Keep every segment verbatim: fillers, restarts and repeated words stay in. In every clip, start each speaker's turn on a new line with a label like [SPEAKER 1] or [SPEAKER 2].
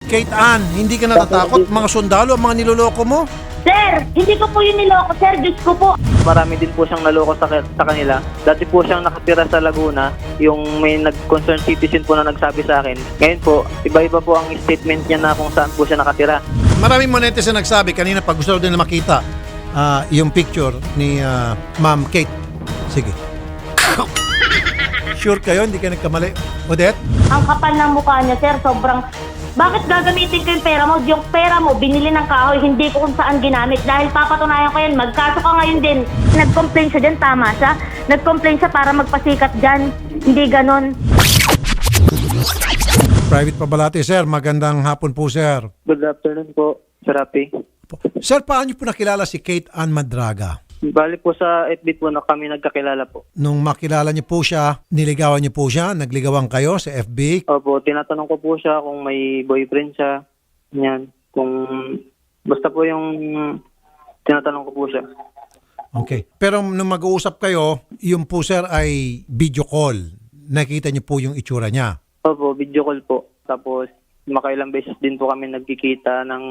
[SPEAKER 1] Kate Ann, hindi ka natatakot? Mga sundalo, ang mga niloloko mo?
[SPEAKER 2] Sir, hindi ko po yun niloko, sir. Diyos ko po.
[SPEAKER 3] Marami din po siyang naloko sa, sa kanila. Dati po siyang nakatira sa Laguna, yung may nag-concerned citizen po na nagsabi sa akin. Ngayon po, iba-iba po ang statement niya na kung saan po siya nakatira.
[SPEAKER 1] Maraming mga netizen nagsabi kanina pag gusto din na makita ah, yung picture ni ah, Ma'am Kate. Sige. Sure kayo, hindi ka nagkamali. Odette?
[SPEAKER 2] Ang kapal ng mukha niya, sir. Sobrang... Bakit gagamitin ko yung pera mo? Yung pera mo, binili ng kahoy, hindi ko kung saan ginamit. Dahil papatunayan ko yan, magkaso ka ngayon din. Nag-complain siya dyan, tama siya. Nag-complain siya para magpasikat dyan. Hindi ganon.
[SPEAKER 1] Private Pabalati, sir. Magandang hapon po, sir.
[SPEAKER 3] Good afternoon po, Sir Rapi.
[SPEAKER 1] Sir, paano niyo po nakilala si Kate Ann Madraga?
[SPEAKER 3] Bali po sa F B po na kami nagkakilala po.
[SPEAKER 1] Nung makilala niyo po siya, niligawan niyo po siya, nagligawan kayo sa F B?
[SPEAKER 3] Opo, tinatanong ko po siya kung may boyfriend siya. Yan. Kung basta po yung tinatanong ko po siya.
[SPEAKER 1] Okay. Pero nung mag-uusap kayo, yung po sir ay video call. Nakita niyo po yung itsura niya.
[SPEAKER 3] Opo, video call po. Tapos makailang beses din po kami nagkikita ng...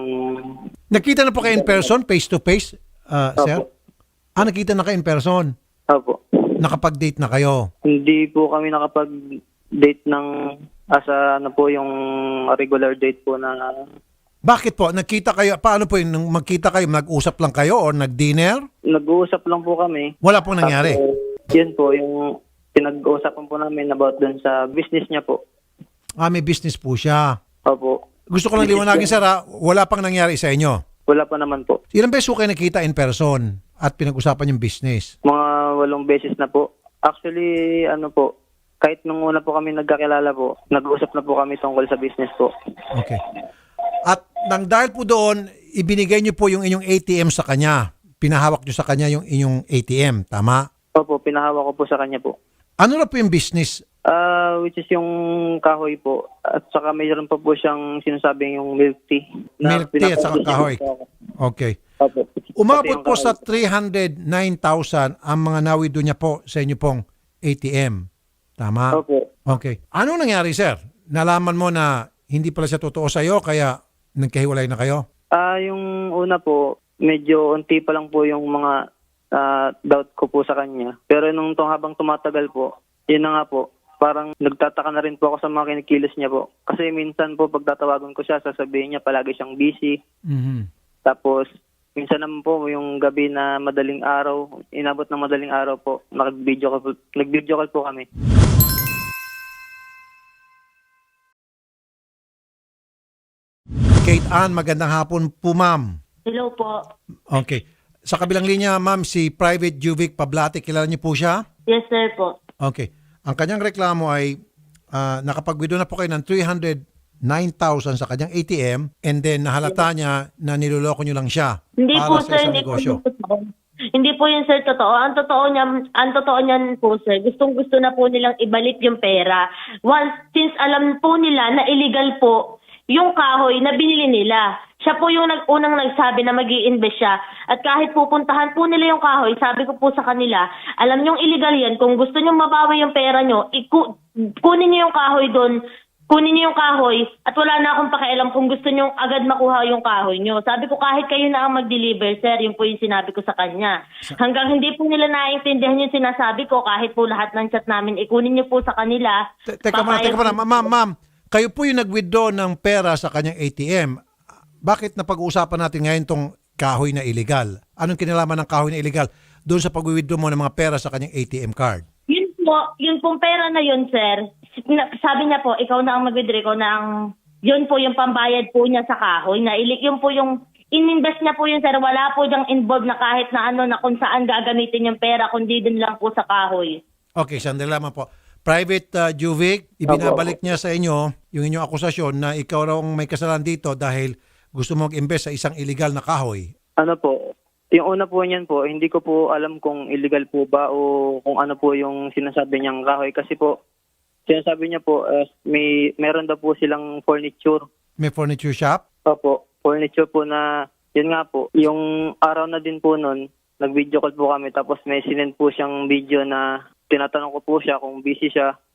[SPEAKER 1] Nakita na po kayo in person, face to face, uh, sir?
[SPEAKER 3] Opo.
[SPEAKER 1] Ah, nakita na kayo in person.
[SPEAKER 3] Opo.
[SPEAKER 1] Nakapag-date na kayo.
[SPEAKER 3] Hindi po kami nakapag-date ng asa ano po yung regular date po na
[SPEAKER 1] Bakit po? Nakita kayo, paano po yun? Nung magkita kayo, nag-usap lang kayo or nag-dinner?
[SPEAKER 3] nag-uusap lang po kami.
[SPEAKER 1] Wala pong nangyari.
[SPEAKER 3] Tapos, yun po, yung pinag-uusapan po namin about dun sa business niya po.
[SPEAKER 1] Ah, may business po siya.
[SPEAKER 3] Opo.
[SPEAKER 1] Gusto ko lang liwanagin, sir, ha? Wala pang nangyari sa inyo.
[SPEAKER 3] Wala pa naman po.
[SPEAKER 1] Ilang beses po kayo nakita in person at pinag-usapan yung business?
[SPEAKER 3] Mga walong beses na po. Actually, ano po, kahit nung una po kami nagkakilala po, nag-uusap na po kami tungkol sa business po.
[SPEAKER 1] Okay. At nang dahil po doon, ibinigay niyo po yung inyong A T M sa kanya. Pinahawak niyo sa kanya yung inyong A T M, tama?
[SPEAKER 3] Opo, pinahawak ko po sa kanya po.
[SPEAKER 1] Ano na po yung business?
[SPEAKER 3] Ah, which is yung kahoy po. At saka mayroon pa po siyang sinasabing yung milk tea. na
[SPEAKER 1] Milk tea at saka
[SPEAKER 3] pinapabili
[SPEAKER 1] kahoy.
[SPEAKER 3] po ako.
[SPEAKER 1] Okay.
[SPEAKER 3] Opo.
[SPEAKER 1] Umabot
[SPEAKER 3] Pati yung
[SPEAKER 1] po sa
[SPEAKER 3] kahoy.
[SPEAKER 1] three hundred nine thousand ang mga nawido niya po sa inyo pong A T M. Tama?
[SPEAKER 3] Opo.
[SPEAKER 1] Okay. Ano nangyari, sir? Nalaman mo na hindi pala siya totoo sa iyo kaya nagkahiwalay na kayo?
[SPEAKER 3] Ah, yung una po, medyo unti pa lang po yung mga ah, doubt ko po sa kanya. Pero nung tong habang tumatagal po, yun na nga po, parang nagtataka na rin po ako sa mga kinikilos niya po. Kasi minsan po, pag tatawagan ko siya, sasabihin niya palagi siyang busy.
[SPEAKER 1] Mhm.
[SPEAKER 3] Tapos, minsan naman po, yung gabi na madaling araw, inabot ng madaling araw po, nag-video call po, nag-video call po kami.
[SPEAKER 1] Kate Ann, magandang hapon po, ma'am.
[SPEAKER 2] Hello po.
[SPEAKER 1] Okay. Sa kabilang linya, ma'am, si Private Juvic Pablate, kilala niyo po siya?
[SPEAKER 2] Yes, sir po.
[SPEAKER 1] Okay. Ang kanyang reklamo ay uh, nakapag-withdraw na po kayo ng three hundred nine thousand sa kanyang A T M and then nahalata niya na niloloko niyo lang siya
[SPEAKER 2] Hindi
[SPEAKER 1] para
[SPEAKER 2] po,
[SPEAKER 1] sa
[SPEAKER 2] sir.
[SPEAKER 1] isang
[SPEAKER 2] Hindi po
[SPEAKER 1] negosyo.
[SPEAKER 2] yun totoo. Hindi po yun, sir, totoo. Ang totoo niya, ang totoo niyan po, sir, gustong-gusto na po nilang ibalik yung pera. Once, since alam po nila na illegal po yung kahoy na binili nila. Siya po yung nag unang nagsabi na mag-i-invest siya. At kahit pupuntahan po nila yung kahoy, sabi ko po sa kanila, alam niyong illegal yan. Kung gusto niyong mabawi yung pera niyo, iku- kunin niyo yung kahoy doon, kunin niyo yung kahoy, at wala na akong pakialam kung gusto niyong agad makuha yung kahoy niyo. Sabi ko, kahit kayo na ang mag-deliver, sir, yun po yung sinabi ko sa kanya. Hanggang hindi po nila naintindihan yung sinasabi ko, kahit po lahat ng chat namin, ikunin niyo po sa kanila.
[SPEAKER 1] Te- Teka muna, teka muna. Ma'am, ma'am, kayo po yung nag-withdraw ng pera sa kanyang A T M. Bakit napag-uusapan natin ngayon tong kahoy na illegal? Anong kinalaman ng kahoy na illegal doon sa pag-withdraw mo ng mga pera sa kanyang A T M card?
[SPEAKER 2] Yun po, yun pong pera na yun, sir. Na- Sabi niya po, ikaw na ang mag-withdraw, ikaw na ang, yun po yung pambayad po niya sa kahoy. Na ilik, yun po yung, ininvest niya po yun, sir. Wala po diyang involved na kahit na ano, na kung saan gagamitin yung pera, kundi din lang po sa kahoy.
[SPEAKER 1] Okay, sandali lamang po. Private uh, Juvic, ibinabalik niya sa inyo yung inyong akusasyon na ikaw raw ang may kasalanan dito dahil gusto mo mag-invest sa isang illegal na kahoy.
[SPEAKER 3] Ano po, yung una po niyan po, hindi ko po alam kung illegal po ba o kung ano po yung sinasabi niyang kahoy. Kasi po, sinasabi niya po, uh, may meron daw po silang furniture.
[SPEAKER 1] May furniture shop?
[SPEAKER 3] Opo, furniture po na, yun nga po, yung araw na din po nun, nag-video call po kami tapos may sinend po siyang video na tinatanong ko po siya kung busy siya.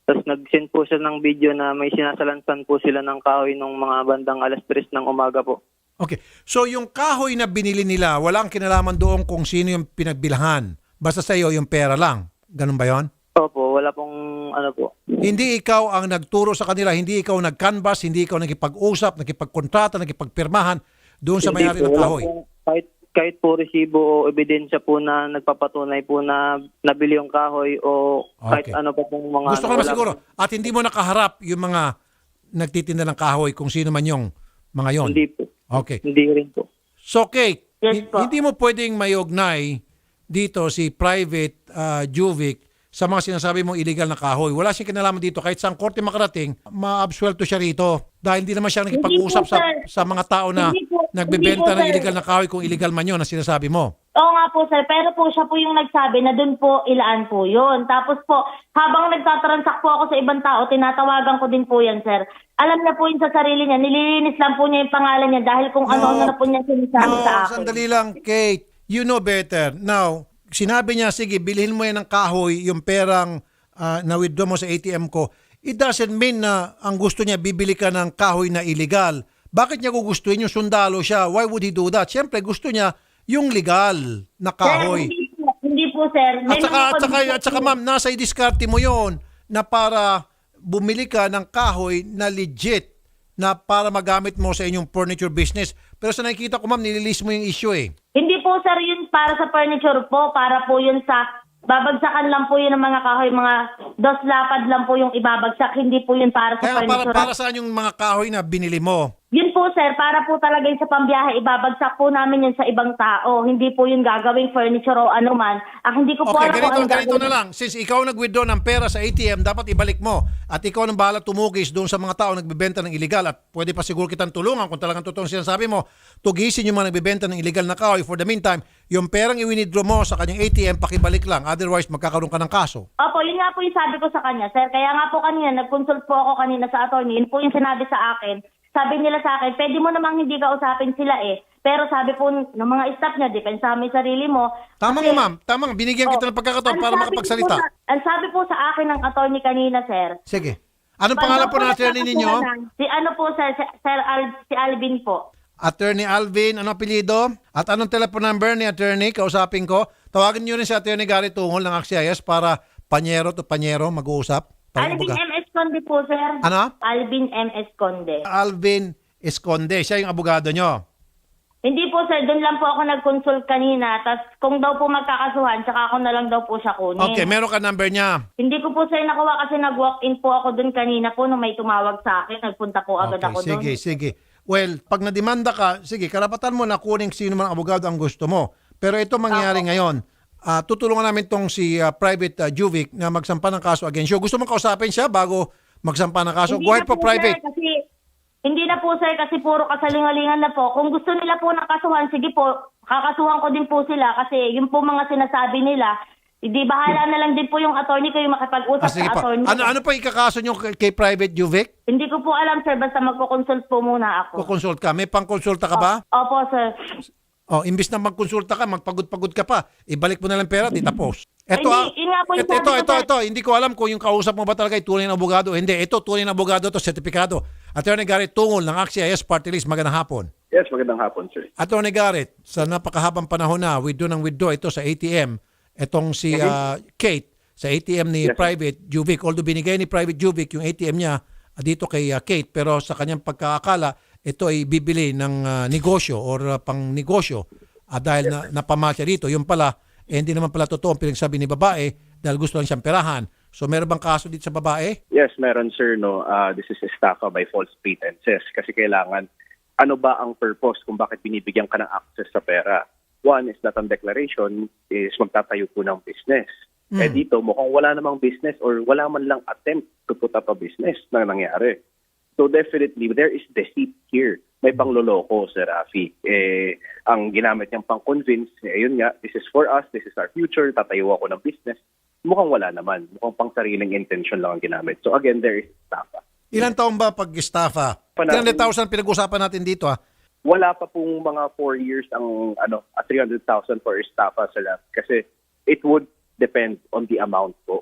[SPEAKER 3] Tapos nag-send po siya ng video na may sinasalansan po sila ng kahoy nung mga bandang alas tres ng umaga po.
[SPEAKER 1] Okay. So yung kahoy na binili nila, wala kang kinalaman doon kung sino yung pinagbilhan. Basta sa iyo yung pera lang. Ganun ba yon?
[SPEAKER 3] Opo, wala pong ano po.
[SPEAKER 1] Hindi ikaw ang nagturo sa kanila, hindi ikaw nag-canvas, hindi ikaw nakipag-usap, nakipagkontrata, nakipagpirmahan doon sa
[SPEAKER 3] Hindi
[SPEAKER 1] may-ari
[SPEAKER 3] po,
[SPEAKER 1] ng
[SPEAKER 3] wala
[SPEAKER 1] kahoy.
[SPEAKER 3] pong- kahit, kahit po resibo o ebidensya po na nagpapatunay po na nabili yung kahoy o kahit
[SPEAKER 1] Okay.
[SPEAKER 3] ano pa pong mga...
[SPEAKER 1] Gusto ko
[SPEAKER 3] ano,
[SPEAKER 1] naman
[SPEAKER 3] wala
[SPEAKER 1] siguro.
[SPEAKER 3] po.
[SPEAKER 1] At hindi mo nakaharap yung mga nagtitinda ng kahoy kung sino man yung mga yon.
[SPEAKER 3] Hindi po.
[SPEAKER 1] Okay.
[SPEAKER 3] Hindi rin po.
[SPEAKER 1] So, Kate,
[SPEAKER 2] Yes
[SPEAKER 1] hin-
[SPEAKER 2] po.
[SPEAKER 1] hindi mo pwedeng mayugnay dito si Private uh, Juvic sa mga sinasabi mong illegal na kahoy. Wala siyang kinalaman dito. Kahit saan korte makarating, ma-absuelto siya rito. Dahil hindi naman siya nakipag-usap
[SPEAKER 2] Hindi po,
[SPEAKER 1] sa,
[SPEAKER 2] sir.
[SPEAKER 1] sa mga tao na
[SPEAKER 2] Hindi po-
[SPEAKER 1] nagbebenta
[SPEAKER 2] hindi po,
[SPEAKER 1] ng
[SPEAKER 2] sir.
[SPEAKER 1] illegal na kahoy kung illegal man yun na sinasabi mo.
[SPEAKER 2] Oo nga po sir, pero po siya po yung nagsabi na doon po ilaan po yun. Tapos po, habang nagtatransact po ako sa ibang tao, tinatawagan ko din po yan sir. Alam niya po yun sa sarili niya, nililinis lang po niya yung pangalan niya dahil kung ano-ano na po niya sinasabi
[SPEAKER 1] no,
[SPEAKER 2] sa akin.
[SPEAKER 1] sandali lang, Kate. You know better. Now, sinabi niya, sige, bilhin mo yan ng kahoy, yung perang uh, na-withdraw mo sa A T M ko. It doesn't mean na ang gusto niya, bibili ka ng kahoy na illegal. Bakit niya gugustuhin yung sundalo siya? Why would he do that? Siyempre, gusto niya yung legal na
[SPEAKER 2] Sir,
[SPEAKER 1] kahoy.
[SPEAKER 2] hindi po, hindi po sir.
[SPEAKER 1] At saka,
[SPEAKER 2] mga
[SPEAKER 1] at saka,
[SPEAKER 2] kondisyon-
[SPEAKER 1] at saka ma'am, nasa i-discarte mo yon na para bumili ka ng kahoy na legit na para magamit mo sa inyong furniture business. Pero sa nakikita ko ma'am, nililis mo yung issue eh.
[SPEAKER 2] Hindi po sir yun para sa furniture po, para po yun sa babagsakan lang po yun ng mga kahoy, mga dos lapad lang po yung ibabagsak, hindi po yun para sa
[SPEAKER 1] Kaya para,
[SPEAKER 2] furniture.
[SPEAKER 1] para saan yung mga kahoy na binili mo?
[SPEAKER 2] Yun po sir, para po talaga yun sa pambiyahe, ibabagsak po namin yun sa ibang tao. Hindi po yun gagawing furniture o ano man. Ah, hindi ko po
[SPEAKER 1] Okay,
[SPEAKER 2] alam kung
[SPEAKER 1] ganito,
[SPEAKER 2] anong
[SPEAKER 1] ganito
[SPEAKER 2] gagawin.
[SPEAKER 1] na lang. Since ikaw nag-withdraw ng pera sa A T M, dapat ibalik mo. At ikaw nang bahala tumugis doon sa mga tao nagbebenta ng illegal. At pwede pa siguro kitang tulungan kung talagang totoong sinasabi mo. Tugisin yung mga nagbebenta ng illegal na kahoy. For the meantime, yung perang i-withdraw mo sa kanyang A T M, pakibalik lang. Otherwise, magkakaroon ka ng kaso.
[SPEAKER 2] Opo, yun nga po yung sabi ko sa kanya, sir. Kaya nga po kanina, nag-consult po ako kanina sa attorney. Yun po yung sinabi sa akin. Sabi nila sa akin, pwede mo namang hindi kausapin sila eh. Pero sabi po ng mga staff niya, depensa mo yung sarili mo.
[SPEAKER 1] Tama
[SPEAKER 2] Kasi-
[SPEAKER 1] nga ma'am, tama nga. Binigyan kita ng pagkakataon
[SPEAKER 2] Ang
[SPEAKER 1] para
[SPEAKER 2] sabi
[SPEAKER 1] makapagsalita.
[SPEAKER 2] po sa- Ang sabi po sa akin ng attorney kanina, sir.
[SPEAKER 1] Sige. Anong pangalan po ng attorney ninyo?
[SPEAKER 2] Si ano po, sir, si- sir Al, si Alvin po.
[SPEAKER 1] Attorney Alvin, ano apelyido? At anong telephone number ni attorney? Kausapin ko. Tawagin niyo rin si attorney Gary Tungol ng A X I S para panyero to panyero mag-uusap. Para
[SPEAKER 2] Alvin
[SPEAKER 1] kumbaga-
[SPEAKER 2] M S Conde po, sir.
[SPEAKER 1] Ano?
[SPEAKER 2] Alvin M S Conde.
[SPEAKER 1] Alvin Esconde. Siya yung abogado nyo.
[SPEAKER 2] Hindi po, sir. Doon lang po ako nag-consult kanina. Tapos kung daw po magkakasuhan, tsaka ako na lang daw po siya kunin.
[SPEAKER 1] Okay, meron ka number niya.
[SPEAKER 2] Hindi ko po, sir, nakuha kasi nag-walk-in po ako doon kanina po nung may tumawag sa akin. Nagpunta po agad
[SPEAKER 1] Okay,
[SPEAKER 2] ako doon.
[SPEAKER 1] sige, sige. Well, pag nademanda ka, sige, karapatan mo na kunin sino man ang abogado ang gusto mo. Pero ito mangyayari ngayon. Ah, tutulungan namin tong si ah, Private ah, Juvic na magsampa ng kaso against you. Gusto mong kausapin siya bago magsampa ng kaso?
[SPEAKER 2] Hindi
[SPEAKER 1] Go ahead
[SPEAKER 2] na
[SPEAKER 1] po,
[SPEAKER 2] po,
[SPEAKER 1] Private.
[SPEAKER 2] Sir, kasi, hindi na po, sir, kasi puro kasalingalingan na po. Kung gusto nila po ng kasuhan, sige po, kakasuhan ko din po sila kasi yung po mga sinasabi nila, hindi bahala na lang din po yung attorney kayo makipag-usap
[SPEAKER 1] Ah, sige
[SPEAKER 2] sa
[SPEAKER 1] pa.
[SPEAKER 2] attorney.
[SPEAKER 1] Ano, ano pa ikakaso nyo kay, kay Private Juvic?
[SPEAKER 2] Hindi ko po alam, sir, basta magko-consult po muna ako.
[SPEAKER 1] Kukonsult ka. May pang-konsulta ka ba?
[SPEAKER 2] Opo, sir.
[SPEAKER 1] Oh, imbis na magkonsulta ka, magpagod-pagod ka pa, ibalik mo na lang pera, di tapos. Ito,
[SPEAKER 2] Hindi,
[SPEAKER 1] ah,
[SPEAKER 2] yun nga po yung
[SPEAKER 1] ito, ito,
[SPEAKER 2] sabi ko,
[SPEAKER 1] ito,
[SPEAKER 2] sir.
[SPEAKER 1] ito, hindi ko alam kung yung kausap mo ba talaga ay tunay na abogado. Hindi, ito, tunay na abogado to, sertipikado. Attorney Garrett Tungol ng A X I S Party List, magandang hapon.
[SPEAKER 4] Yes, magandang hapon, sir.
[SPEAKER 1] Attorney Garrett, sa napakahabang panahon na, withdraw ng withdraw ito sa A T M, itong si ah, Kate, sa A T M ni
[SPEAKER 4] Yes, sir.
[SPEAKER 1] Private Juvic, although binigay ni Private Juvic yung A T M niya ah, dito kay ah, Kate, pero sa kanyang pagkakakala, ito ay bibili ng ah, negosyo or ah, pang negosyo ah, dahil na, napama siya dito. Yung pala, eh, hindi naman pala totoo ang pinagsabi ni babae dahil gusto lang siyang perahan. So meron bang kaso dito sa babae?
[SPEAKER 4] Yes, meron, sir. No, uh, this is estafa by false pretenses. Kasi kailangan, ano ba ang purpose kung bakit binibigyan ka ng access sa pera? One is that ang declaration is magtatayo po ng business. Eh dito, mukhang wala namang business or wala man lang attempt to put up a business na nangyari. So definitely, there is deceit here. May pangloloko, Sir Rafi. Eh, ang ginamit niyang pang-convince, eh, yun nga, this is for us, this is our future, tatayo ako ng business. Mukhang wala naman. Mukhang pang sariling intention lang ang ginamit. So again, there is estafa.
[SPEAKER 1] Ilan taon ba pag-estafa?
[SPEAKER 4] Panahon.
[SPEAKER 1] three hundred thousand pinag-usapan natin dito ah.
[SPEAKER 4] Wala pa pong mga four years ang ano, ah, three hundred thousand for estafa, Sir Rafi. Kasi it would depend on the amount po.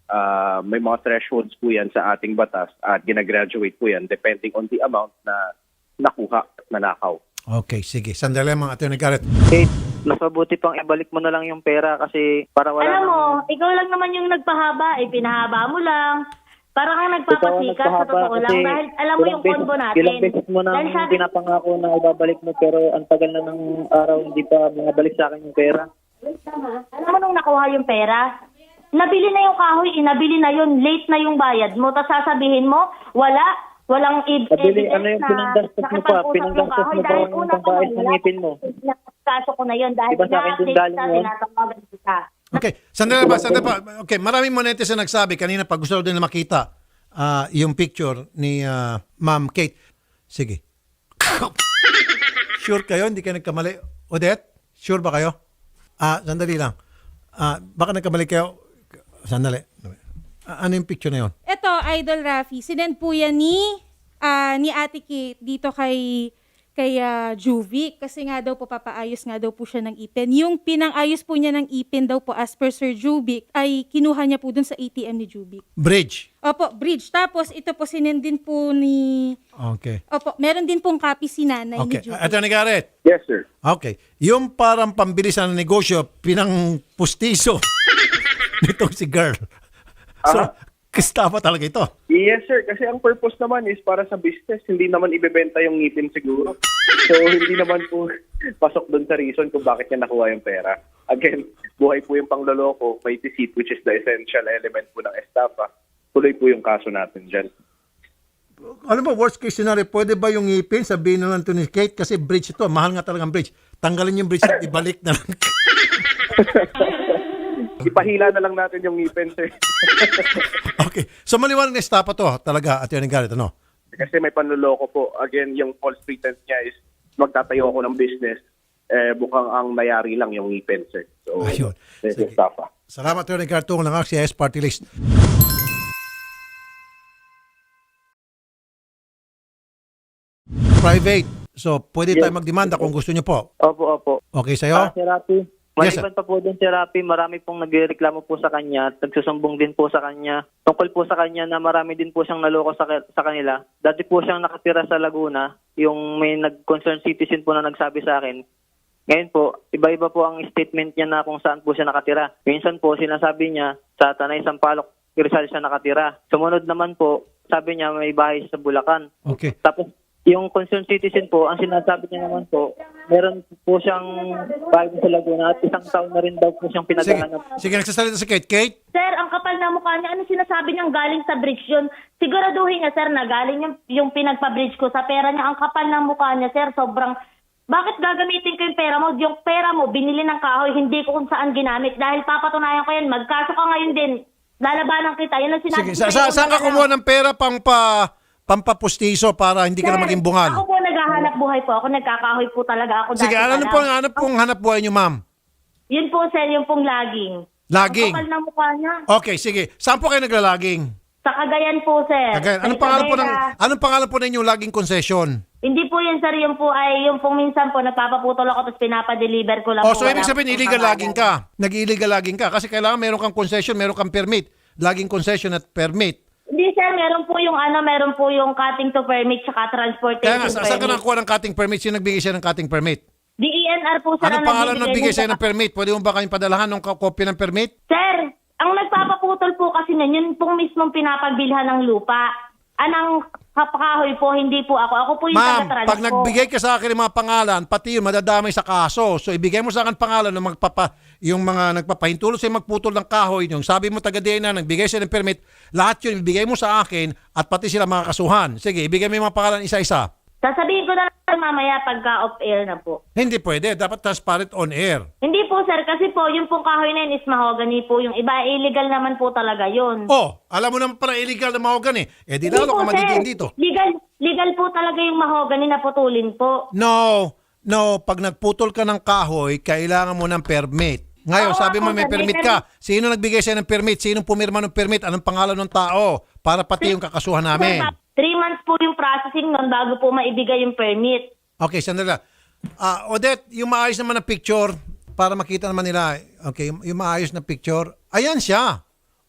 [SPEAKER 4] Ah, may mga thresholds po yan sa ating batas at ginagraduate po yan depending on the amount na nakuha at nanakaw.
[SPEAKER 1] Okay, sige. Sandali mga Attorney Garrett.
[SPEAKER 3] Kate, mas mabuti pang ibalik mo na lang yung pera kasi para wala
[SPEAKER 2] Alam mo,
[SPEAKER 3] nang-
[SPEAKER 2] ikaw lang naman yung nagpahaba, eh, pinahaba mo lang. Parang kang nagpapasikat sa
[SPEAKER 3] nagpahaba
[SPEAKER 2] totoo lang.
[SPEAKER 3] kasi
[SPEAKER 2] Dahil alam mo
[SPEAKER 3] ilang
[SPEAKER 2] yung combo
[SPEAKER 3] beses-
[SPEAKER 2] natin.
[SPEAKER 3] Ilang beses mo nang
[SPEAKER 2] Dahil sabi-
[SPEAKER 3] pinapangako na ibabalik mo pero ang tagal na ng araw hindi pa bumabalik sa akin yung pera.
[SPEAKER 2] Alam mo nung nakuha yung pera, nabili na yung kahoy, eh, nabili na yun, late na yung bayad mo, tapos sasabihin mo, wala, walang ib-
[SPEAKER 3] Nabili,
[SPEAKER 2] evidence
[SPEAKER 3] ano yung
[SPEAKER 2] na
[SPEAKER 3] pinanggastos mo pa?
[SPEAKER 2] nakipag-usap
[SPEAKER 3] Pinanggastos
[SPEAKER 2] yung kahoy.
[SPEAKER 3] mo pa
[SPEAKER 2] Dahil
[SPEAKER 3] yung
[SPEAKER 2] una pa
[SPEAKER 3] pangbayad
[SPEAKER 2] lang,
[SPEAKER 3] ng
[SPEAKER 2] wala
[SPEAKER 3] ngipin mo.
[SPEAKER 2] Kaso ko na yun, dahil
[SPEAKER 3] Diba sa akin din
[SPEAKER 2] na-update
[SPEAKER 3] galing
[SPEAKER 2] ka,
[SPEAKER 3] yun?
[SPEAKER 2] tinatawagan kita.
[SPEAKER 1] Okay, sandali ba, sandali pa. Okay, maraming mo netizen nagsabi kanina pag gusto din na makita ah, yung picture ni ah, Ma'am Kate. Sige. Sure kayo? Hindi kayo nagkamali? Odette? Sure ba kayo? Ah, sandali lang. Ah, baka nagkamali kayo. Sandali. Ah, ano yung picture na yun?
[SPEAKER 5] Ito, Idol Rafi, sinend po yan ni, ah, ni Ate Kate dito kay kay ah, Juvic kasi nga daw po papaayos nga daw po siya ng ipin. Yung pinang-ayos po niya ng ipin daw po as per Sir Juvic ay kinuha niya po dun sa A T M ni Juvic.
[SPEAKER 1] Bridge.
[SPEAKER 5] Opo, bridge. Tapos ito po sinend din po ni...
[SPEAKER 1] Okay.
[SPEAKER 5] Opo, meron din pong copy si nanay
[SPEAKER 1] Okay.
[SPEAKER 5] ni Juvic.
[SPEAKER 1] Attorney Garrett.
[SPEAKER 4] Yes, sir.
[SPEAKER 1] Okay. Yung parang pambilis na negosyo, pinang pustiso nitong si girl. So,
[SPEAKER 4] Aha.
[SPEAKER 1] kista pa talaga ito.
[SPEAKER 4] Yes, sir. Kasi ang purpose naman is para sa business. Hindi naman ibebenta yung ngipin siguro. So, hindi naman po pasok doon sa reason kung bakit niya nakuha yung pera. Again, buhay po yung pangloloko. May deceit, which is the essential element po ng estafa. Tuloy po yung kaso natin dyan.
[SPEAKER 1] Ano ba, worst case scenario, pwede ba yung ngipin, sabihin na lang ito ni Kate, kasi bridge ito, mahal nga talagang bridge. Tanggalin yung bridge at ibalik na lang.
[SPEAKER 4] Ipahila na lang natin yung ngipin, sir.
[SPEAKER 1] Okay. So, maliwanag na estafa to, talaga, Attorney Garrett, ano?
[SPEAKER 4] Kasi may panloloko po. Again, yung false pretense niya is magtatayo ako ng business. Eh, bukang ang mayari lang yung ngipin, sir. So,
[SPEAKER 1] Ayun.
[SPEAKER 4] this
[SPEAKER 1] Sige.
[SPEAKER 4] is estafa.
[SPEAKER 1] Salamat, Attorney Garrett, tungo lang ako, C I S Party List. Private. So, pwede tayo magdemanda kung gusto nyo po.
[SPEAKER 3] Opo, opo.
[SPEAKER 1] Okay
[SPEAKER 3] Ah,
[SPEAKER 1] sa'yo?
[SPEAKER 3] si Rapi.
[SPEAKER 1] Yes, sir.
[SPEAKER 3] Maliban pa po din si Rapi, marami pong nagreklamo po sa kanya at nagsusumbong din po sa kanya. Tungkol po sa kanya na marami din po siyang naloko sa, sa kanila. Dati po siyang nakatira sa Laguna, yung may nag-concerned citizen po na nagsabi sa akin. Ngayon po, iba-iba po ang statement niya na kung saan po siya nakatira. Minsan po, sinasabi niya sa Tanay Sampaloc, Rizal siya nakatira. Sumunod naman po, sabi niya may bahay siya sa Bulacan.
[SPEAKER 1] Okay.
[SPEAKER 3] Tapos, yung concerned citizen po, ang sinasabi niya naman po, meron po siyang bahay sa Laguna at isang taon na rin daw po siyang
[SPEAKER 1] Sige,
[SPEAKER 3] pinaghahanap.
[SPEAKER 1] sige, nagsasalita si Kate. Kate?
[SPEAKER 2] Sir, ang kapal na mukha niya, ano sinasabi niyang galing sa bridge yun? Siguraduhin niya, sir, na galing yung, yung pinagpa-bridge ko sa pera niya. Ang kapal na mukha niya, sir, sobrang... Bakit gagamitin ko yung pera mo? Yung pera mo, binili ng kahoy, hindi ko kung saan ginamit. Dahil papatunayan ko yan, magkaso ka ngayon din. Lalabanan kita. Yan ang sinabi
[SPEAKER 1] Sige,
[SPEAKER 2] ko
[SPEAKER 1] sa, sa,
[SPEAKER 2] sa'yo.
[SPEAKER 1] saan ka kumuha ng pera pang pa, pampapustiso para hindi ka na
[SPEAKER 2] Sir,
[SPEAKER 1] maging bungal?
[SPEAKER 2] Ako po naghahanap buhay po. Ako nagkakahoy po talaga ako.
[SPEAKER 1] Sige,
[SPEAKER 2] dati
[SPEAKER 1] ano
[SPEAKER 2] pa
[SPEAKER 1] po,
[SPEAKER 2] lang.
[SPEAKER 1] ano pong hanap buhay niyo, ma'am?
[SPEAKER 2] Yun po, sir, yung pong laging.
[SPEAKER 1] Laging?
[SPEAKER 2] Ang kapal na mukha niya.
[SPEAKER 1] Okay, sige. Saan po kayo naglalaging?
[SPEAKER 2] Sa Cagayan po, sir.
[SPEAKER 1] Again,
[SPEAKER 2] Sa
[SPEAKER 1] anong pangalan po ng
[SPEAKER 2] Isabela.
[SPEAKER 1] anong pangalan po ng inyong laging concession?
[SPEAKER 2] Hindi po yun, sir. Yung po ay, yung pong minsan po, nagpapaputol ako tapos pinapadeliver ko lang
[SPEAKER 1] Oh,
[SPEAKER 2] po.
[SPEAKER 1] so ibig
[SPEAKER 2] Wala
[SPEAKER 1] sabihin
[SPEAKER 2] po
[SPEAKER 1] illegal
[SPEAKER 2] pangalan.
[SPEAKER 1] laging ka. Nag-illegal laging ka kasi kailangan meron kang concession, meron kang permit. Laging concession at permit.
[SPEAKER 2] Hindi, sir. Meron po yung ano, meron po yung cutting to permit tsaka transportation
[SPEAKER 1] Kaya nga, sa- saan ka
[SPEAKER 2] permit.
[SPEAKER 1] nakakuha ng cutting permit? Sino nagbigay siya ng cutting permit?
[SPEAKER 2] D E N R po, sir.
[SPEAKER 1] Anong
[SPEAKER 2] ang
[SPEAKER 1] pangalan ng
[SPEAKER 2] nagbibigay
[SPEAKER 1] bigay sa'yo
[SPEAKER 2] nun.
[SPEAKER 1] ng permit? Pwede mo ba kayong padalahan ng ka- copy ng permit?
[SPEAKER 2] Sir, ang nagpapaputol po kasi nun, yun pong mismong pinapagbilhan ng lupa. Anang kapakahoy po, hindi po ako. Ako po yung
[SPEAKER 1] Ma'am,
[SPEAKER 2] taga-trans
[SPEAKER 1] pag
[SPEAKER 2] po.
[SPEAKER 1] nagbigay ka sa akin ng mga pangalan, pati yun, madadamay sa kaso. So, ibigay mo sa akin pangalan ng magpapa, yung mga nagpapahintulot sa'yo magputol ng kahoy, yung sabi mo taga-D N A, nagbigay sa'yo ng permit, lahat yun, ibigay mo sa akin at pati sila mga kasuhan. Sige, ibigay mo yung mga pangalan isa-isa.
[SPEAKER 2] Sasabihin ko na lang mamaya pagka off-air na po.
[SPEAKER 1] Hindi pwede. Dapat transparent on air.
[SPEAKER 2] Hindi po, sir. Kasi po, yung pong kahoy na yun is mahogany po. Yung iba, illegal naman po talaga yun.
[SPEAKER 1] Oh, alam mo naman pala illegal na mahogany. Eh, di lalo ka madidiin dito.
[SPEAKER 2] Legal, legal po talaga yung mahogany na putulin po.
[SPEAKER 1] No, no. Pag nagputol ka ng kahoy, kailangan mo ng permit. Ngayon,
[SPEAKER 2] Oo,
[SPEAKER 1] sabi mo
[SPEAKER 2] ako,
[SPEAKER 1] may
[SPEAKER 2] sir, may
[SPEAKER 1] permit ka. Sino nagbigay sa'yo ng permit? Sino pumirma ng permit? Anong pangalan ng tao? Para pati yung kakasuhan namin.
[SPEAKER 2] Sir, three months po yung processing nun bago po maibigay yung permit.
[SPEAKER 1] Okay, sandali lang. Ah, Odette, yung maayos naman na picture, para makita naman nila, okay, yung, yung maayos na picture, ayan siya.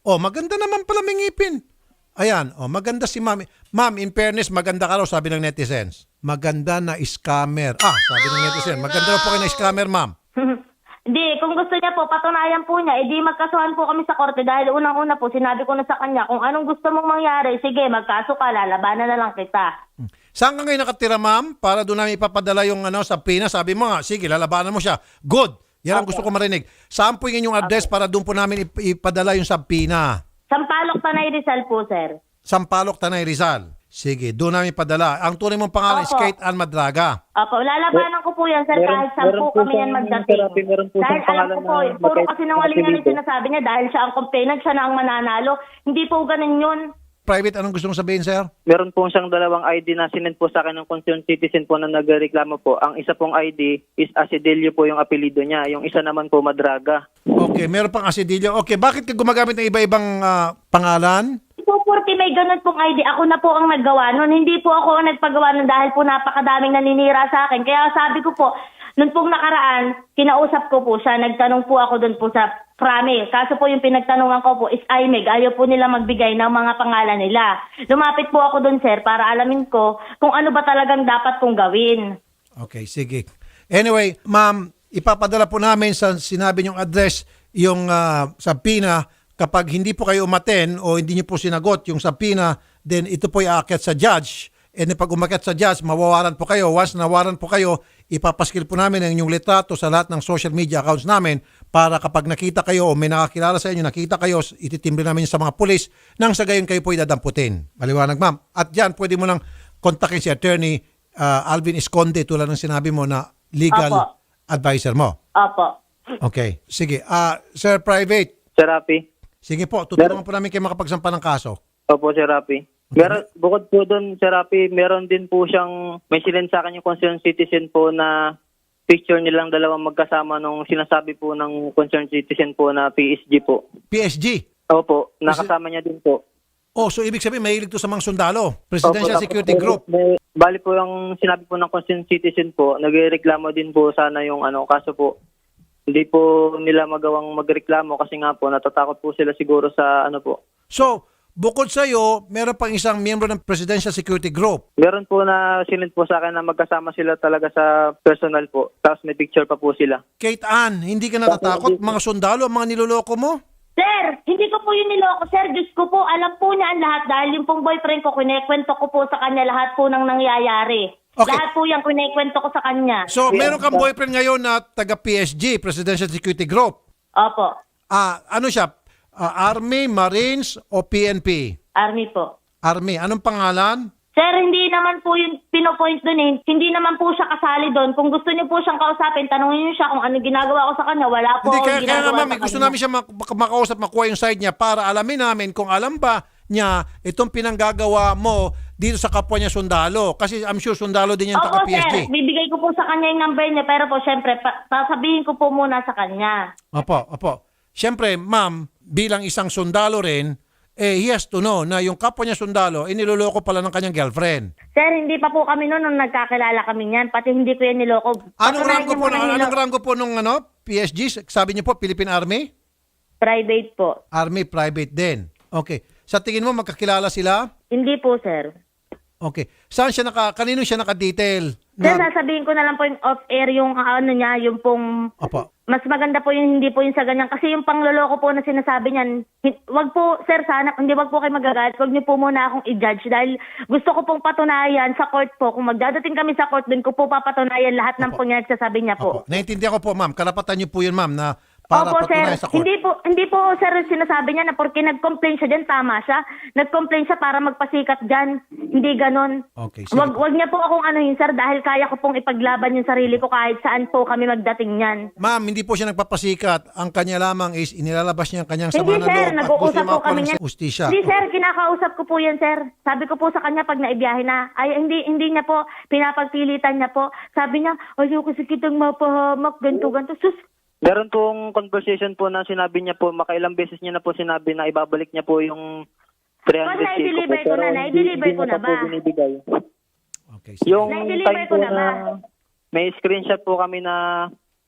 [SPEAKER 1] Oh, maganda naman pala may ngipin. Ayan, oh, maganda si ma'am. Ma'am, in fairness, maganda ka raw, sabi ng netizens. Maganda na scammer. Ah, sabi ng netizen, maganda raw po kayo na scammer, ma'am.
[SPEAKER 2] Hindi, kung gusto niya po, patunayan po niya, edi magkasuhan po kami sa korte dahil unang-una po, sinabi ko na sa kanya, kung anong gusto mong mangyari, sige, magkaso ka, lalabanan na lang kita.
[SPEAKER 1] Saan ka ngayon nakatira, ma'am? Para doon namin ipapadala yung ano, sa Pinas. Sabi mo nga, sige, lalabanan mo siya. Good. Yan ang gusto ko marinig. Saan po yung inyong address para doon po namin ip- ipadala yung Sabpina?
[SPEAKER 2] Sampalok, Tanay Rizal po, sir.
[SPEAKER 1] Sampalok, Tanay Rizal. Sige, doon namin padala. Ang tunay mong pangalan is
[SPEAKER 2] Opo.
[SPEAKER 1] Kate Ann Madraga.
[SPEAKER 2] Opo, lalabanan ko po yan, sir,
[SPEAKER 3] Meron-
[SPEAKER 2] kahit saan
[SPEAKER 3] meron
[SPEAKER 2] po
[SPEAKER 3] po
[SPEAKER 2] kami yan
[SPEAKER 3] siyang
[SPEAKER 2] magdating.
[SPEAKER 3] therapy, meron po
[SPEAKER 2] Dahil
[SPEAKER 3] siyang
[SPEAKER 2] alam ko
[SPEAKER 3] pangalan
[SPEAKER 2] po,
[SPEAKER 3] na
[SPEAKER 2] puro
[SPEAKER 3] magkait-
[SPEAKER 2] kasi sinungalingan yung
[SPEAKER 3] apelido.
[SPEAKER 2] sinasabi niya dahil siya ang complainant, siya na ang mananalo. Hindi po ganun yun.
[SPEAKER 1] Private, anong gusto mong sabihin, sir?
[SPEAKER 3] Meron po siyang dalawang I D na sinend po sa akin ng concerned citizen po na nagreklamo po. Ang isa pong I D is Asidilio po yung apelido niya. Yung isa naman po Madraga.
[SPEAKER 1] Okay, meron pang asidilyo. Okay, bakit ka gumagamit ng iba-ibang ah, pangalan?
[SPEAKER 2] Po, porque may ganun pong I D. Ako na po ang naggawa nun. Hindi po ako ang nagpagawa nun dahil po napakadaming naninira sa akin. Kaya sabi ko po, nun pong nakaraan, kinausap ko po siya. Nagtanong po ako dun po sa Prame. Kaso po yung pinagtanungan ko po is I M E G. Ayaw po nila magbigay ng mga pangalan nila. Lumapit po ako dun, sir, para alamin ko kung ano ba talagang dapat kong gawin.
[SPEAKER 1] Okay, sige. Anyway, ma'am, ipapadala po namin sa sinabi niyong address yung uh, Sabpina. Kapag hindi po kayo umaten o hindi niyo po sinagot yung Sabpina, then ito po aakyat sa judge. And then pag umakyat sa judge, mawawaran po kayo. Once nawaran po kayo, ipapaskil po namin ang inyong litrato sa lahat ng social media accounts namin para kapag nakita kayo o may nakakilala sa inyo, nakita kayo, ititimbre namin sa mga pulis nang sa gayon kayo po idadamputin. Maliwanag, ma'am. At dyan, pwede mo lang kontakin si Attorney uh, Alvin Esconde tulad ng sinabi mo na legal
[SPEAKER 2] Apo.
[SPEAKER 1] advisor mo.
[SPEAKER 2] Opo.
[SPEAKER 1] Okay. Sige. Ah, Sir Private,
[SPEAKER 3] Sir Rapi.
[SPEAKER 1] sige po, tutulungan po namin kayo makapagsampa ng kaso.
[SPEAKER 3] Opo, Sir Rapi. Meron, bukod po doon, Sir Rapi, meron din po siyang, may sinend sa akin yung concerned citizen po na picture nilang dalawang magkasama nung sinasabi po ng concerned citizen po na P S G po.
[SPEAKER 1] P S G.
[SPEAKER 3] Opo, nakasama niya din po.
[SPEAKER 1] Oh, so ibig sabihin mahilig to sa mga sundalo. Presidential
[SPEAKER 3] Opo,
[SPEAKER 1] Security
[SPEAKER 3] tapos,
[SPEAKER 1] Group.
[SPEAKER 3] May, bali po yung sinabi po ng concerned citizen po, nagreklamo din po sana yung ano, kaso po, hindi po nila magawang magreklamo kasi nga po, natatakot po sila siguro sa ano po.
[SPEAKER 1] So, bukod sa iyo, meron pang isang miyembro ng Presidential Security Group.
[SPEAKER 3] Meron po na sinend po sa akin na magkasama sila talaga sa personal po. Tapos may picture pa po sila.
[SPEAKER 1] Kate Ann, hindi ka natatakot? Mga sundalo, ang mga niloloko mo?
[SPEAKER 2] Sir, hindi ko po yun niloko, sir. Diyos ko po, alam po niya ang lahat dahil yung pong boyfriend ko, kinekwento ko po sa kanya lahat po ng nangyayari.
[SPEAKER 1] Okay.
[SPEAKER 2] Lahat po yung kinekwento ko sa kanya.
[SPEAKER 1] So, meron kang boyfriend ngayon na taga P S G, Presidential Security Group.
[SPEAKER 2] Opo,
[SPEAKER 1] Ah, ano siya? Ah, Army, Marines o P N P?
[SPEAKER 2] Army po.
[SPEAKER 1] Army. Anong pangalan?
[SPEAKER 2] Sir, hindi naman po yung pinopoint doon eh. Hindi naman po siya kasali doon. Kung gusto niyo po siyang kausapin, tanungin niyo siya kung ano ginagawa ko sa kanya. Wala po
[SPEAKER 1] Hindi,
[SPEAKER 2] akong
[SPEAKER 1] kaya, kaya
[SPEAKER 2] ginagawa
[SPEAKER 1] naman,
[SPEAKER 2] sa
[SPEAKER 1] gusto
[SPEAKER 2] kanya.
[SPEAKER 1] namin siya mak- mak- makausap, makuha yung side niya para alamin namin kung alam ba niya itong pinanggagawa mo dito sa kapwa niya sundalo. Kasi I'm sure sundalo din yan
[SPEAKER 2] Opo,
[SPEAKER 1] taga P S G.
[SPEAKER 2] sir. Bibigay ko po sa kanya yung number niya. Pero po, syempre, pa- sasabihin ko po muna sa kanya.
[SPEAKER 1] Opo, opo. Siyempre, ma'am, bilang isang sundalo rin, eh, he has to know na yung kapwa niya sundalo, iniloloko pala ng kanyang girlfriend.
[SPEAKER 2] Sir, hindi pa po kami noon nung nagkakilala kami niyan. Pati hindi ko yan niloko.
[SPEAKER 1] Anong
[SPEAKER 2] Patunayan
[SPEAKER 1] ranggo
[SPEAKER 2] niyo
[SPEAKER 1] po,
[SPEAKER 2] na
[SPEAKER 1] anong
[SPEAKER 2] niloko.
[SPEAKER 1] ranggo po nung ano, P S G? Sabi niyo po, Philippine Army?
[SPEAKER 2] Private po.
[SPEAKER 1] Army private din. Okay. Sa tingin mo, magkakilala sila?
[SPEAKER 2] Hindi po, sir.
[SPEAKER 1] Okay. Saan siya naka, kanino siya naka-detail?
[SPEAKER 2] Sir,
[SPEAKER 1] Na,
[SPEAKER 2] sasabihin ko na lang po yung off-air, yung ano niya, yung pong...
[SPEAKER 1] opo.
[SPEAKER 2] Mas maganda po yung hindi po yung sa ganyan. Kasi yung pangloloko po na sinasabi niyan, hin- wag po, sir, sana, hindi wag po kayo magagalit. Wag niyo po muna akong i-judge dahil gusto ko pong patunayan sa court po. Kung magdadating kami sa court, dun ko po papatunayan lahat ng
[SPEAKER 1] Opo.
[SPEAKER 2] po niya sabi niya po.
[SPEAKER 1] Opo. Naintindihan ko po, ma'am. Karapatan niyo po yun, ma'am, na para
[SPEAKER 2] Opo, sir.
[SPEAKER 1] patunayan sa court.
[SPEAKER 2] Hindi po, hindi po, sir, sinasabi niya na porque nag-complain siya dyan, tama siya. Nag-complain siya para magpasikat dyan. Hindi ganon.
[SPEAKER 1] Okay, sige
[SPEAKER 2] Wag,
[SPEAKER 1] po.
[SPEAKER 2] wag niya po akong anuhin, sir, dahil kaya ko pong ipaglaban yung sarili ko kahit saan po kami magdating niyan.
[SPEAKER 1] Ma'am, hindi po siya nagpapasikat. Ang kanya lamang is inilalabas niya ang kanyang sama
[SPEAKER 2] Hindi,
[SPEAKER 1] ng
[SPEAKER 2] sir.
[SPEAKER 1] loob at gusto
[SPEAKER 2] Nag-uusap
[SPEAKER 1] niya
[SPEAKER 2] po
[SPEAKER 1] makakuha
[SPEAKER 2] kami
[SPEAKER 1] ng
[SPEAKER 2] niyan.
[SPEAKER 1] ustisya.
[SPEAKER 2] Hindi, sir. Kinakausap ko po yan, sir. Sabi ko po sa kanya pag naibiyahe na, ay, hindi, hindi niya po, pinapagpilitan niya po. Sabi niya, ayaw kasi kitang mapahamak, ganito, ganito. Sus,
[SPEAKER 3] Meron pong conversation po na sinabi niya po, makailang beses niya na po sinabi na ibabalik niya po yung three hundred K ko po.
[SPEAKER 2] na-deliver ko na,
[SPEAKER 3] Pero
[SPEAKER 2] na-deliver
[SPEAKER 3] hindi
[SPEAKER 2] ko
[SPEAKER 3] niya
[SPEAKER 2] na
[SPEAKER 3] pa po
[SPEAKER 2] ba?
[SPEAKER 3] binibigay.
[SPEAKER 1] Okay, sige.
[SPEAKER 3] Yung
[SPEAKER 2] Na-deliver
[SPEAKER 3] time
[SPEAKER 2] ko
[SPEAKER 3] po
[SPEAKER 2] na
[SPEAKER 3] na
[SPEAKER 2] ba?
[SPEAKER 3] may screenshot po kami na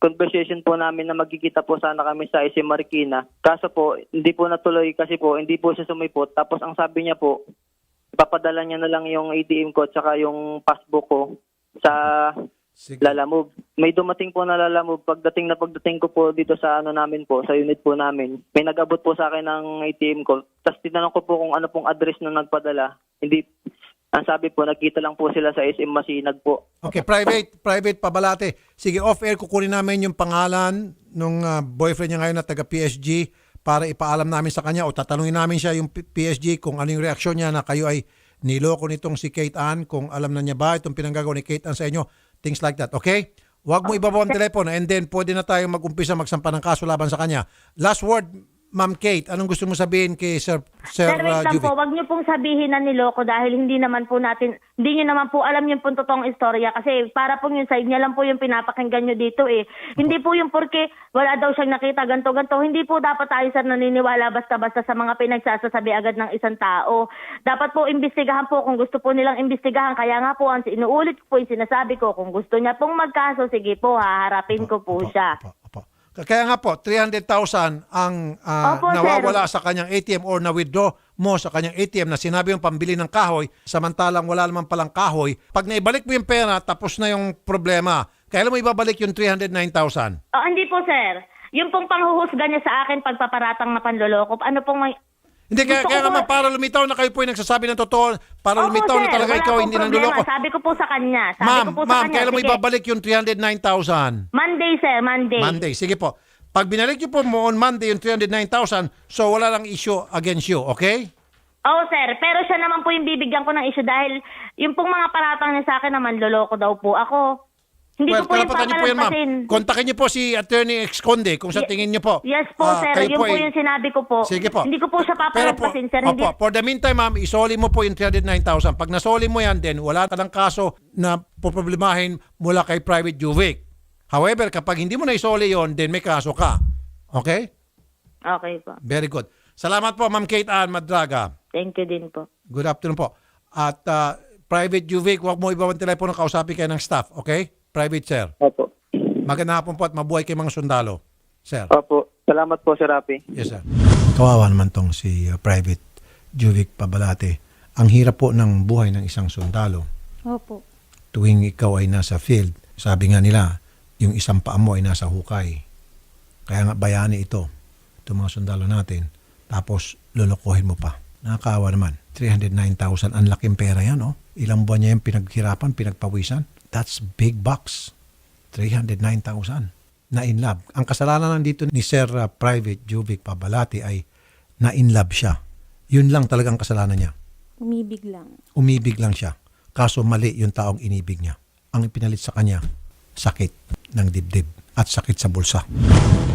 [SPEAKER 3] conversation po namin na magkikita po sana kami sa I C Marikina. Kaso po, hindi po natuloy kasi po, hindi po siya sumipot. Tapos ang sabi niya po, ipapadala niya na lang yung A T M ko at saka yung passbook ko sa
[SPEAKER 1] Sige.
[SPEAKER 3] Lalamove. May dumating po na Lalamove. Pagdating na pagdating ko po dito sa ano namin po, sa unit po namin, may nag-abot po sa akin ng A T M ko. Tapos tinanong ko po kung ano pong address na nagpadala. Hindi, ang sabi po, nagkita lang po sila sa S M Masinag po.
[SPEAKER 1] Okay, private, private Pabalate. Sige, off-air, kukunin namin yung pangalan nung ah, boyfriend niya ngayon na taga-P S G para ipaalam namin sa kanya o tatanungin namin siya yung P- PSG kung ano yung reaksyon niya na kayo ay niloko nitong si Kate Ann, kung alam na niya ba itong pinanggagawa ni Kate Ann sa inyo, things like that, okay? Huwag mo ibabaw ang telepono and then pwede na tayo mag-umpisa magsampa ng kaso laban sa kanya. Last word, Ma'am Kate, anong gusto mo sabihin kay Sir, Sir
[SPEAKER 2] Sir, wait
[SPEAKER 1] uh,
[SPEAKER 2] lang
[SPEAKER 1] Juvie?
[SPEAKER 2] po, wag niyo pong sabihin na niloko dahil hindi naman po natin, hindi niyo naman po alam yung pong totoong istorya kasi para po yung side niya lang po yung pinapakinggan niyo dito eh. Hindi po yung porque wala daw siyang nakita ganto-ganto, hindi po dapat tayo sir naniniwala basta-basta sa mga pinagsasasabi agad ng isang tao. Dapat po imbestigahan po kung gusto po nilang imbestigahan, kaya nga po ang inuulit ko po yung sinasabi ko, kung gusto niya pong magkaso, sige po, haharapin ko po siya.
[SPEAKER 1] Opo, opo. Kaya nga po, three hundred thousand ang ah,
[SPEAKER 2] Opo,
[SPEAKER 1] nawawala sa kanyang A T M or na-withdraw mo sa kanyang A T M na sinabi yung pambili ng kahoy, samantalang wala naman palang kahoy. Pag naibalik mo yung pera, tapos na yung problema. Kailan mo ibabalik yung three hundred nine thousand?
[SPEAKER 2] Oh, hindi po sir. Yung pong panghuhusga niya sa akin pagpaparatang na panloloko, ano pong may...
[SPEAKER 1] Hindi, kaya,
[SPEAKER 2] Gusto
[SPEAKER 1] kaya
[SPEAKER 2] ko
[SPEAKER 1] naman
[SPEAKER 2] po-
[SPEAKER 1] para lumitaw na kayo po yung nagsasabi ng totoo, para
[SPEAKER 2] Opo,
[SPEAKER 1] lumitaw na
[SPEAKER 2] sir,
[SPEAKER 1] talaga
[SPEAKER 2] wala
[SPEAKER 1] ikaw
[SPEAKER 2] pong
[SPEAKER 1] hindi
[SPEAKER 2] problema.
[SPEAKER 1] nanduloko.
[SPEAKER 2] Sabi ko po sa kanya. Sabi
[SPEAKER 1] Ma'am,
[SPEAKER 2] ko po sa
[SPEAKER 1] ma'am,
[SPEAKER 2] kanya.
[SPEAKER 1] kailan mo
[SPEAKER 2] sige.
[SPEAKER 1] ibabalik yung three hundred nine thousand?
[SPEAKER 2] Monday sir, Monday.
[SPEAKER 1] Monday. Sige po. Pag binalik niyo po mo on Monday yung three hundred nine thousand, so wala lang issue against you, okay?
[SPEAKER 2] Oo sir, pero siya naman po yung bibigyan ko ng issue dahil yung pong mga paratang niya sa akin naman, loloko daw po ako. Hindi
[SPEAKER 1] Well,
[SPEAKER 2] ko po yung
[SPEAKER 1] karapatan niyo po yan, ma'am.
[SPEAKER 2] papalampasin.
[SPEAKER 1] Kontakin niyo po si Attorney Exconde kung sa
[SPEAKER 2] Ye-
[SPEAKER 1] tingin niyo po.
[SPEAKER 2] Yes po
[SPEAKER 1] ah,
[SPEAKER 2] sir,
[SPEAKER 1] kayo
[SPEAKER 2] yun po
[SPEAKER 1] ay-
[SPEAKER 2] yung sinabi ko po.
[SPEAKER 1] Sige po.
[SPEAKER 2] Hindi ko po siya
[SPEAKER 1] Pero po,
[SPEAKER 2] papalampasin sir. Hindi,
[SPEAKER 1] opo, for the meantime, ma'am, isoli mo po yung three hundred nine thousand. Pag nasoli mo yan, then wala ka ng kaso na poproblemahin mula kay Private Juvic. However, kapag hindi mo na isoli yon, then may kaso ka. Okay?
[SPEAKER 2] Okay po.
[SPEAKER 1] Very good. Salamat po, Ma'am Kate Ann Madraga.
[SPEAKER 2] Thank you din po.
[SPEAKER 1] Good afternoon po. At uh, Private Juvic, huwag mo ibawang telepono, kausapin kayo ng staff. Okay? Private, sir.
[SPEAKER 3] Opo.
[SPEAKER 1] Magandang hapon po at mabuhay kay mga sundalo. Sir.
[SPEAKER 3] Opo. Salamat po, Sir Rapi.
[SPEAKER 1] Yes, sir. Kawawa naman tong si uh, Private Juvic Pabalate. Ang hirap po ng buhay ng isang sundalo.
[SPEAKER 5] Opo.
[SPEAKER 1] Tuwing ikaw ay nasa field, sabi nga nila, yung isang paa mo ay nasa hukay. Kaya nga bayani ito, itong mga sundalo natin. Tapos lulukuhin mo pa. Nakakaawa naman. three hundred nine thousand, ang laking pera yan, oh. Ilang buwan niya yung pinaghirapan, pinagpawisan. That's big bucks. three hundred nine thousand. Na in love. Ang kasalanan nandito ni Sir uh, Private Juvic Pabalati ay na in love siya. Yun lang talagang kasalanan niya.
[SPEAKER 5] Umibig lang.
[SPEAKER 1] Umibig lang siya. Kaso mali yung taong inibig niya. Ang ipinalit sa kanya, sakit ng dibdib at sakit sa bulsa.